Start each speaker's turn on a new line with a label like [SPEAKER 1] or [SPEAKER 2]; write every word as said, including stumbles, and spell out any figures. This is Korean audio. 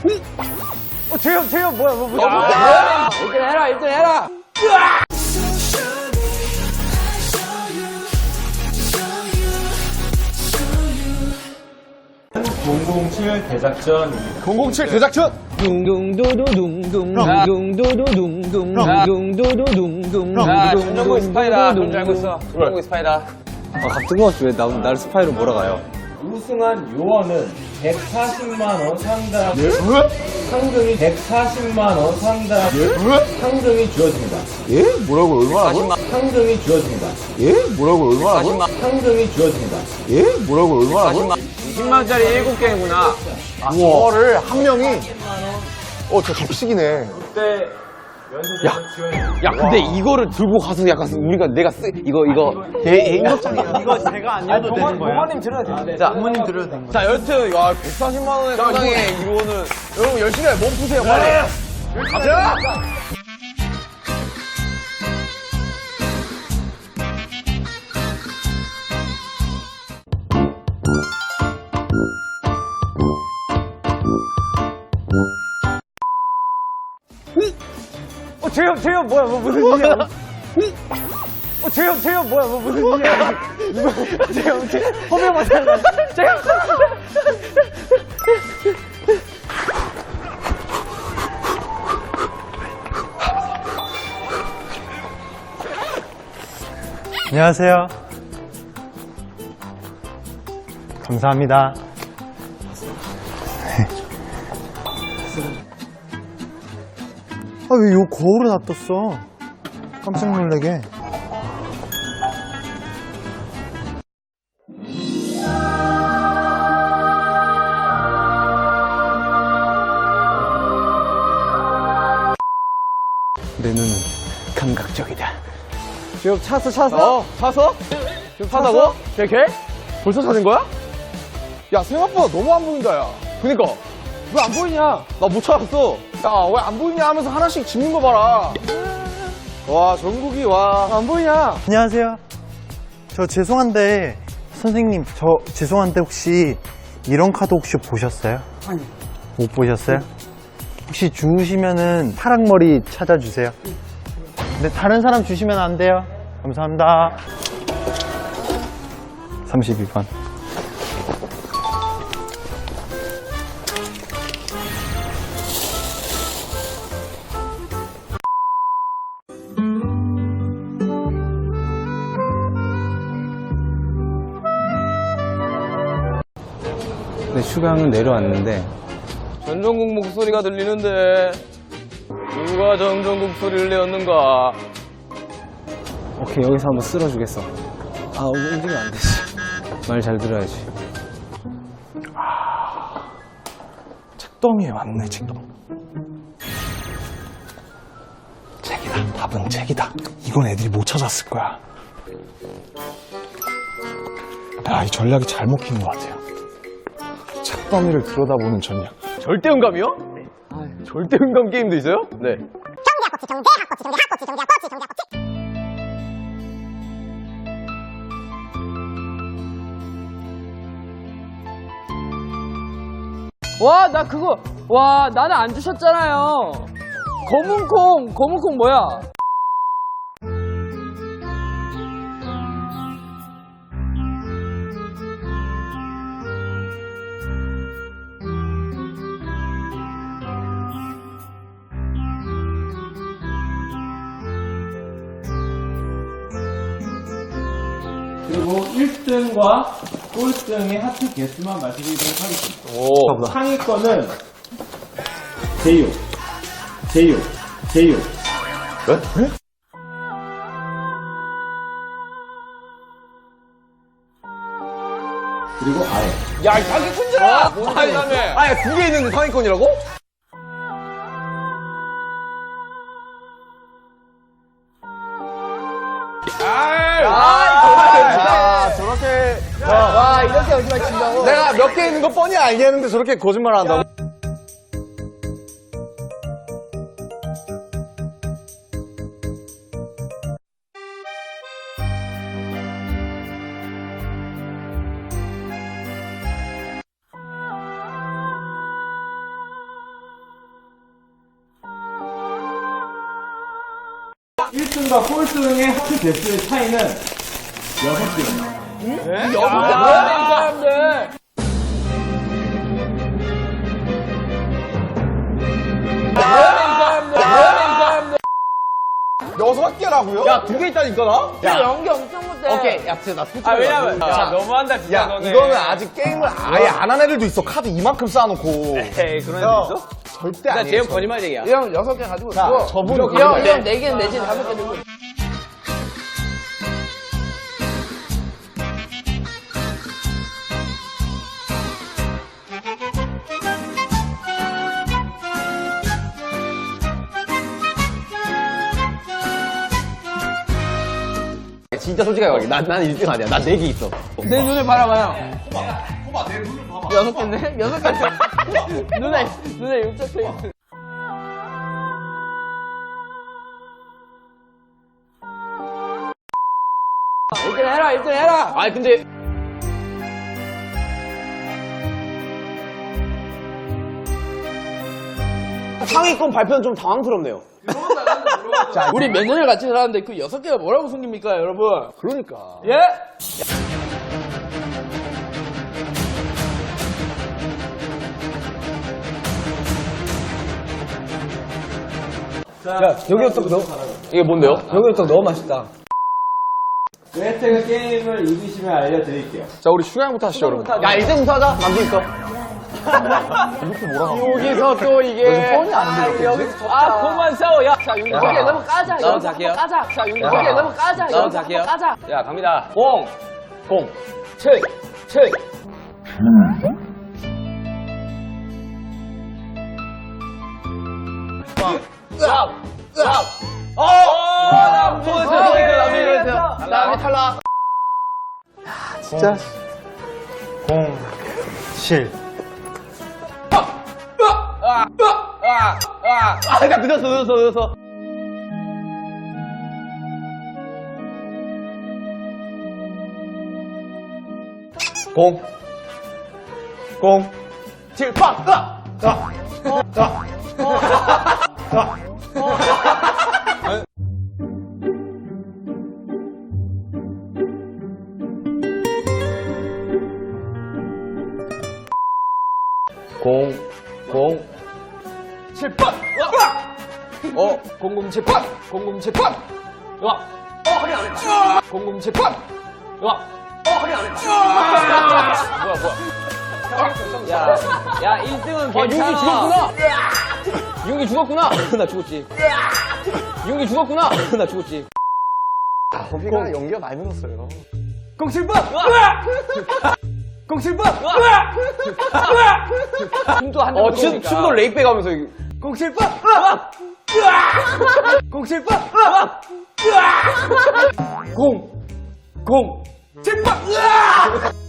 [SPEAKER 1] 어, 재현, 재현, 뭐야, 뭐, 뭐야.
[SPEAKER 2] 아, 일 등 해라, 일 등 해라!
[SPEAKER 3] 공공칠 대작전.
[SPEAKER 1] 공공칠 대작전!
[SPEAKER 2] 둥둥두두둥둥, 둥둥두두둥둥, 둥둥두두둥둥. 야, 전정국 스파이다. 그런 줄 알고 있어. 전정국 스파이다.
[SPEAKER 4] 아, 갑자기 왔어. 왜 나, 나를 스파이로 몰아가요?
[SPEAKER 3] 우승한 요원은 백사십만 원 상당. 상금이 백사십만 원 상당. 상금이 주어집니다.
[SPEAKER 1] 예? 뭐라고, 얼마나?
[SPEAKER 3] 상금이 주어집니다.
[SPEAKER 1] 예? 뭐라고, 얼마나?
[SPEAKER 3] 상금이 주어집니다.
[SPEAKER 1] 예? 뭐라고, 얼마나?
[SPEAKER 2] 이십만 원짜리 일곱 개구나.
[SPEAKER 1] 아, 저거를 한 명이. 어, 저 격식이네.
[SPEAKER 3] 그때 연세대는
[SPEAKER 2] 야, 근데 이거를 들고 가서 약간 우리가 내가 쓰, 이거, 이거.
[SPEAKER 1] 애인극장이야.
[SPEAKER 4] 이거 제가 안 해도 되는 거예요?
[SPEAKER 3] 부모님 들어야 되는데.
[SPEAKER 2] 자,
[SPEAKER 4] 부모님 들어도 되는 거예요?
[SPEAKER 2] 자, 여튼, 야, 백사십만 원의 상당의 이거는. 여러분, 열심히 해. 몸 푸세요, 빨리. 가자!
[SPEAKER 1] 어, 재현, 재현, 뭐야, 뭐, 무슨 일이야. 어, 재현, 재현, 뭐야, 뭐, 무슨 일이야. 이거, 재현, 재현, 허명 맞았나? 재현!
[SPEAKER 4] 안녕하세요. 감사합니다. 아, 왜 요 거울을 놔뒀어? 깜짝 놀라게. 내 눈은 감각적이다.
[SPEAKER 1] 지금 찼어, 찼어?
[SPEAKER 2] 어, 사서? 사다고? 이렇게? 벌써 사는 거야?
[SPEAKER 1] 야, 생각보다 너무 안 보인다, 야.
[SPEAKER 2] 그니까.
[SPEAKER 1] 왜 안 보이냐?
[SPEAKER 2] 나 못 찾았어.
[SPEAKER 1] 야, 왜 안 보이냐 하면서 하나씩 집는 거 봐라. 와, 정국이, 와. 안 보이냐?
[SPEAKER 4] 안녕하세요. 저 죄송한데, 선생님, 저 죄송한데 혹시 이런 카드 혹시 보셨어요? 아니. 못 보셨어요? 혹시 주우시면은 파랑머리 찾아주세요. 근데 다른 사람 주시면 안 돼요. 감사합니다. 삼십이 번.
[SPEAKER 5] 네, 슈강은 내려왔는데
[SPEAKER 2] 전정국 목소리가 들리는데 누가 전정국 소리를 내었는가?
[SPEAKER 5] 오케이, 여기서 한번 쓸어주겠어. 아, 움직이면 안 되지. 말 잘 들어야지.
[SPEAKER 4] 책더미에 왔네, 책더미. 책이다. 답은 책이다. 이건 애들이 못 찾았을 거야. 야, 이 전략이 잘 먹히는 것 같아요. 책더미를 들여다보는 전략.
[SPEAKER 2] 절대음감이요? 절대음감 게임도 있어요? 네.
[SPEAKER 6] 와, 나 그거, 와, 나는 안 주셨잖아요. 검은 콩, 검은 콩 뭐야?
[SPEAKER 3] 그리고 일 등과 꼴등의 하트 개수만 말씀드리도록 하겠습니다.
[SPEAKER 2] 오.
[SPEAKER 3] 상위권은 제육, 제육, 제육. 그리고 아래.
[SPEAKER 2] 야, 이 사기꾼들아! 뭐 사기다며? 아니, 두 개 있는데 상위권이라고? 아이,
[SPEAKER 1] 아, 저렇게.
[SPEAKER 2] 와, 이렇게 여기만 친다고?
[SPEAKER 1] 내가 몇 개 있는 거 뻔히 알겠는데 저렇게 거짓말 한다고?
[SPEAKER 3] 등과 꼴등의 하트 개수의 차이는 여섯 개입니다.
[SPEAKER 6] 여섯 개 뭐야, 이 사람들. 뭐야, 이 사람들. 뭐야, 이 사람들.
[SPEAKER 2] 여섯 개라고요? 야, 두 개 있다니까, 나?
[SPEAKER 6] 야, 연기 엄청 못해.
[SPEAKER 2] 오케이, 야, 진짜 나 솔직히.
[SPEAKER 5] 아, 왜냐면,
[SPEAKER 2] 야,
[SPEAKER 5] 야, 너무한다, 진짜.
[SPEAKER 2] 야,
[SPEAKER 5] 너네.
[SPEAKER 2] 이거는 아직 게임을 아예 안 한 애들도 있어. 카드 이만큼 쌓아놓고.
[SPEAKER 5] 에이, 그런
[SPEAKER 2] 야,
[SPEAKER 5] 애들 있어?
[SPEAKER 2] 절대
[SPEAKER 5] 나
[SPEAKER 2] 아니에요.
[SPEAKER 5] 제형 거짓말쟁이야.
[SPEAKER 6] 이 형 여섯 개 가지고
[SPEAKER 2] 자,
[SPEAKER 6] 있고.
[SPEAKER 2] 저분
[SPEAKER 6] 이 형,
[SPEAKER 2] 거짓말.
[SPEAKER 6] 이 형 네 개 내지 다섯 개 들고. 있어.
[SPEAKER 2] 진짜 솔직하게 말해. 난, 난 일 등 아니야. 난 네 개 있어.
[SPEAKER 6] 내 눈을 바라봐요. 봐봐, 내 눈을 봐봐. 여섯 개인데? 여섯 개. 눈에, 눈에 육적해 있어. 일 등 해라, 일 등 해라!
[SPEAKER 2] 아니, 근데. 상위권 발표는 좀 당황스럽네요.
[SPEAKER 6] 자, 우리 몇 년을 같이 살았는데 그 여섯 개가 뭐라고 숨깁니까, 여러분?
[SPEAKER 2] 그러니까.
[SPEAKER 6] 예?
[SPEAKER 5] 야, 여기부터 너,
[SPEAKER 2] 이게 뭔데요?
[SPEAKER 5] 여기부터 너무 맛있다.
[SPEAKER 3] 그 혜택을 게임을 이기시면 알려드릴게요.
[SPEAKER 2] 자, 우리 슈가형부터 하시죠, 여러분. 야, 일 등부터 하자. 남도 있어. 여기서 또 이게. 뻔히 안 돼.
[SPEAKER 5] 여기서 아, 그만 싸워, 야.
[SPEAKER 6] 자, 윤기 여기에 너무 까자.
[SPEAKER 5] 나도
[SPEAKER 6] 여기서
[SPEAKER 5] 갈게요.
[SPEAKER 6] 한번 까자. 자, 윤기
[SPEAKER 5] 야.
[SPEAKER 6] 여기에 너무 까자.
[SPEAKER 5] 나도
[SPEAKER 6] 여기서
[SPEAKER 5] 갈게요.
[SPEAKER 6] 한번 까자.
[SPEAKER 5] 야, 갑니다. 공,
[SPEAKER 2] 공.
[SPEAKER 5] 칠, 칠.
[SPEAKER 2] 으악! 으악! 어!
[SPEAKER 5] 나 보였어,
[SPEAKER 2] 어,
[SPEAKER 5] 보였어, 나
[SPEAKER 2] 예,
[SPEAKER 5] 보였어.
[SPEAKER 2] 자, 다음에 탈락.
[SPEAKER 4] 진짜. 공, 칠.
[SPEAKER 5] 아, 아, 아.
[SPEAKER 2] 아, 나 늦었어, 늦었어, 늦었어. 공. 공. 칠, 빵! 으악! 으악! 으악! 으악! 공, 공,
[SPEAKER 5] 칠 번! 어, 공공칠 번! 공공칠 번! 와! 어, 확인 안 했다. 공공칠 번! 와! 어, 확인 안 했다. 뭐야, 뭐야. 야, 야, 일 등은
[SPEAKER 2] 아,
[SPEAKER 5] 괜찮아.
[SPEAKER 2] 윤기 죽었구나! 윤기 죽었구나! 나 죽었지. 윤기 죽었구나! 나 죽었지. 아, 호비가 연기가 많이 늘었어요.
[SPEAKER 5] 공칠 번! 공칠 번! 춤도 한장
[SPEAKER 2] 어, 춤, 춤도 레이백 하면서.
[SPEAKER 5] 공칠 번! 공칠 번! 공! 공! 칠 번!